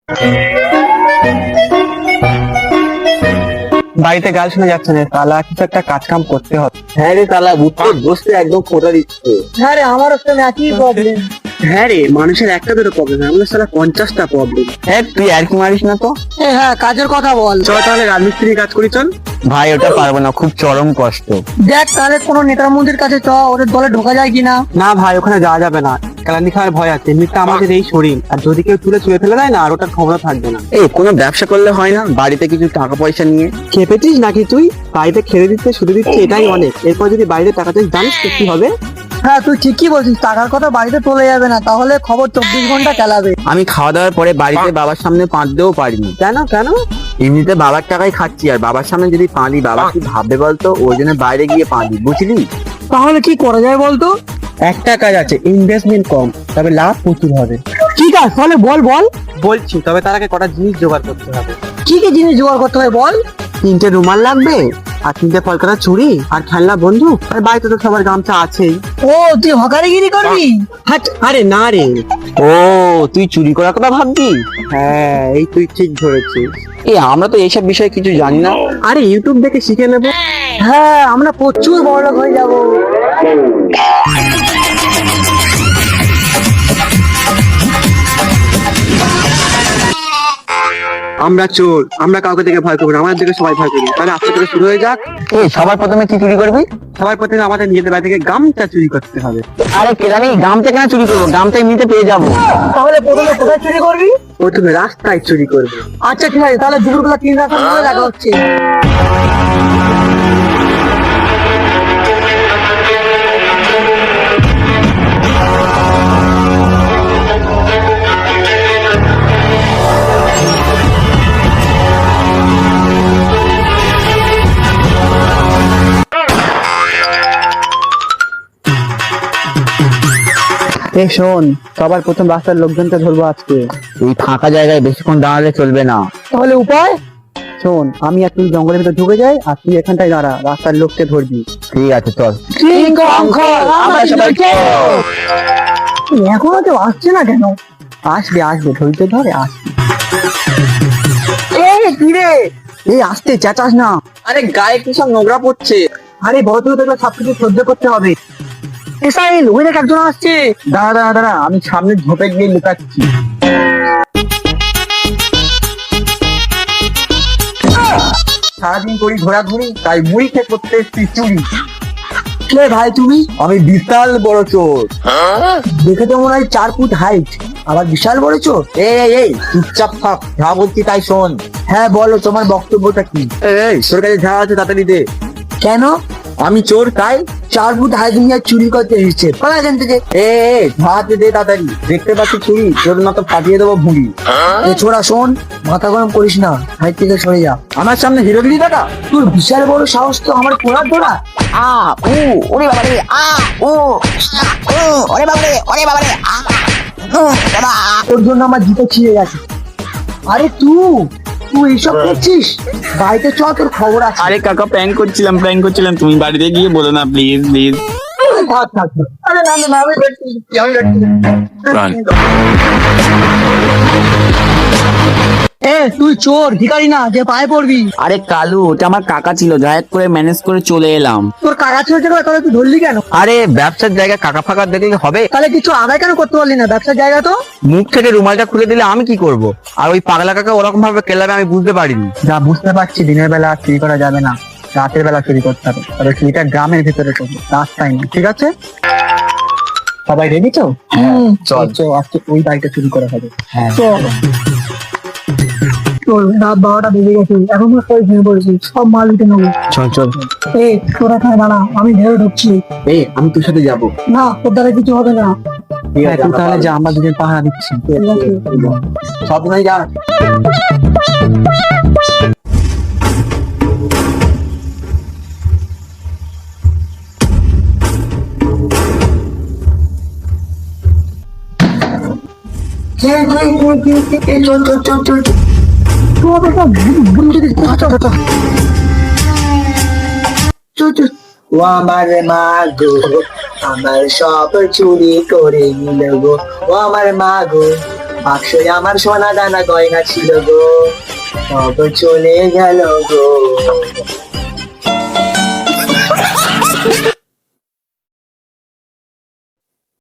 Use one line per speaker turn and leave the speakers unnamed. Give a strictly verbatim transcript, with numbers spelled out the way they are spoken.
বাড়িতে গাল শোনা যাচ্ছে না, তালা কিছু একটা কাজ কাম করতে হবে।
হ্যাঁ রে তালা, বুঝতে বসতে একদম ফোটা দিচ্ছে।
হ্যাঁ রে, আমারও তো একই প্রবলেম।
হ্যাঁ রে, মানুষের একটা দুটো প্রবলেম, আমাদের সারা পঞ্চাশটা প্রবলেম।
হ্যাঁ তুই আর কি মারিস না তো।
হ্যাঁ, কাজের কথা বল।
চল তাহলে রাজমিস্ত্রি কাজ করি, চল।
ভাই ওটা পারবো না, খুব চরম কষ্ট।
দেখ তাহলে কোনো নেতার মন্ত্রীর কাছে চ, ওদের দলে ঢোকা যায় কিনা।
না ভাই, ওখানে যাওয়া যাবে না, কেলানি খাওয়ার ভয় আছে। এমনিতে আমাদের এই শরীর, আর যদি কেউ তুলে চুলে ফেলে দেয় না, আর ওটার ক্ষমতা থাকবে না।
এই কোনো ব্যবসা করলে হয় না, বাড়িতে কিছু টাকা পয়সা নিয়ে।
খেপেছিস নাকি তুই? বাড়িতে খেলে দিচ্ছে, শুধু দিচ্ছে, এটাই অনেক। এরপর যদি বাইরে টাকা চাই, জানিস তো কি হবে?
হ্যাঁ তুই ঠিকই বলছিস, টাকার কথা বাড়িতে চলে যাবে না, তাহলে খবর চব্বিশ ঘন্টা চালাবে।
আমি খাওয়া দাওয়ার পরে বাড়িতে বাবার সামনে পাঁচতেও পারিনি।
কেন কেন?
এমনিতে বাবার টাকায় খাচ্ছি, আর বাবার সামনে যদি পাঁদি, বাবা কি ভাববে বলতো? ওই জন্য বাইরে গিয়ে পাঁদি, বুঝলি?
তাহলে কি করা যায় বলতো?
একটা কাজ আছে, ইনভেস্টমেন্ট কম, তবে লাভ প্রচুর হবে।
কি কাজ তাহলে বল বল।
বলছি, তবে তার আগে কটা জিনিস জোগাড় করতে হবে।
কি কি জিনিস জোগাড় করতে হবে বল।
তিনটে রুমাল লাগবে, আর তিনটে কলকাতা চুড়ি, আর খেলনা বন্ধু, আর বাড়িতে তো সবার গামছা আছেই।
ও তুই হকারিগিরি করবি?
হাট, আরে না রে।
ও তুই চুরি করার কথা ভাববি?
হ্যাঁ, এই তুই ঠিক ধরেছিস।
এই আমরা তো এইসব বিষয়ে কিছু জানি না।
আরে ইউটিউব দেখে শিখে নেবো।
হ্যাঁ, আমরা প্রচুর বড়লোক হয়ে যাব।
আমরা চোর, আমরা কাউকে দেখে ভয় করবো না, আমাদের দেখে সবাই ভয় করবে। তাহলে আজকে থেকে শুরু হয়ে যাক।
এই সবার প্রথমে কি চুরি করবি?
সবার প্রথমে আমাদের নিজেদের বাড়ি থেকে গামছা চুরি করতে হবে।
আরে কেরানি, গামছা কেন চুরি করবো? গামছা এমনিতে পেয়ে যাবো।
তাহলে প্রথমে কোথায় চুরি করবি?
প্রথমে রাস্তায় চুরি করবে।
আচ্ছা ঠিক আছে, তাহলে দুপুরবেলা তিন রাস্তার মধ্যে দেখা হচ্ছে।
এ শোন, সবার প্রথম রাস্তার লোকজনকে ধরবো আজকে। এই ফাঁকা জায়গায় বেশিক্ষণ দাঁড়ালে চলবে না।
তাহলে উপায়?
শোন, আমি আর তুই জঙ্গলের ভিতরে ঢুকে যাই, আর তুই এখানটায় দাঁড়া, রাস্তার লোককে ধরবি। ঠিক আছে চল।
এখনো কেউ আসছে না কেন?
আসবে আসবে, ধৈর্য ধরে আসবে।
এই কি রে?
এই আসতে, চেঁচাস না।
আরে গায়ে কি সব নোংরা পড়ছে।
আরে ভদ্র দেখলে সবকিছু সহ্য করতে হবে। এসাইল, ওই দেখ একজন আসছে।
দাঁড়া দাঁড়া দাঁড়া, আমি সামনে ঝোপে গিয়ে লুকাচ্ছি। সারাদিন করি ঘোরাঘুরি, তাই মুড়ি খেয়ে করতে এসছি চুরি।
কে ভাই তুমি?
আমি বিশাল বড় চোর।
দেখে তো মনে হয় চার ফুট হাইট, আবার বিশাল বড় চোর।
এই এই এই চুপচাপ থাক, যা বলছি তাই শোন।
হ্যাঁ বলো, তোমার বক্তব্যটা কি?
এই তোর কাছে যা আছে তাড়াতাড়ি দে।
কেন?
আমি চোর তাই।
চার ফুট হাইট নিয়ে চুরি করতে এসেছে, পালা এখান থেকে।
এ হাতে দে তাড়াতাড়ি, দেখতে পাচ্ছি চুরি, তোর মতো ফাটিয়ে দেবো ভুঁড়ি।
এ ছোড়া শোন, মাথা গরম করিস না, হাইট থেকে সরে যা।
আমার সামনে হিরোগিরি দাদা।
তোর বিশাল বড় সাহস তো আমার পোড়ার ধরা।
আ উ ওরে বাবা রে আ উ উ ওরে বাবা রে ওরে বাবা রে আ উ বাবা
তোর জন্য আমার জিতে ছিঁড়ে গেছে। আরে তুই তুই এইসব করছিস? বাড়িতে চ, তোর খবর আছে।
আরে কাকা প্র্যাঙ্ক করছিলাম প্র্যাঙ্ক করছিলাম তুমি বাড়িতে গিয়ে বলো না প্লিজ প্লিজ।
থাক, থাক, থাক। আরে না না না, আমি দেখছি, আমি দেখছি। এ তুই চোর ভিখারি না যে পায়ে পড়বি।
আরে কালু, ওটা আমার কাকা ছিল, যা এক করে ম্যানেজ করে চলে এলাম।
তোর কাকা ছিল যেটা, তাহলে তুই ধরলি কেন?
আরে ব্যবসার জায়গা কাকা ফাঁকা দেখলে হবে?
তাহলে কিছু আদায় কেন করতে পারলি না? ব্যবসার জায়গা তো।
মুখ থেকে রুমালটা খুলে দিলে আমি কি করব? আর ওই পাগলা কাকা ওরকম ভাবে কেলাবে আমি বুঝতে পারিনি। যা বুঝতে পারছি, দিনের বেলা আর চুরি করা যাবে না, রাতের বেলা চুরি করতে হবে। তবে চুরিটা গ্রামের ভিতরে করবো, রাস্তায় না, ঠিক আছে? সবাই রেডি তো?
হুম,
চল চল, আজকে ওই বাড়িটা চুরি করা হবে। হ্যাঁ
চল। চল, রাত বারোটা বেজে গেছে, এখন তো সবাই ঘুমিয়ে পড়েছি, সব মাল দিতে নেবো।
চল চল।
এই তোরা এখানে দাঁড়া, আমি ভেবে ঢুকছি।
এই আমি তোর সাথে যাবো।
না, তোর দ্বারা কিছু হবে না।
হ্যাঁ তুই তাহলে যা, আমরা দুজন পাহারা দিচ্ছি।
ঠিক আছে।
সব নাই যা।
চল চল চল চল চল। চল চল।
ও আমার মা গো আমার সব চুরি করে নিল গো ও আমার মা গো
বাক্সে আমার সোনা দানা গয়না ছিল গো, সব চলে গেল গো।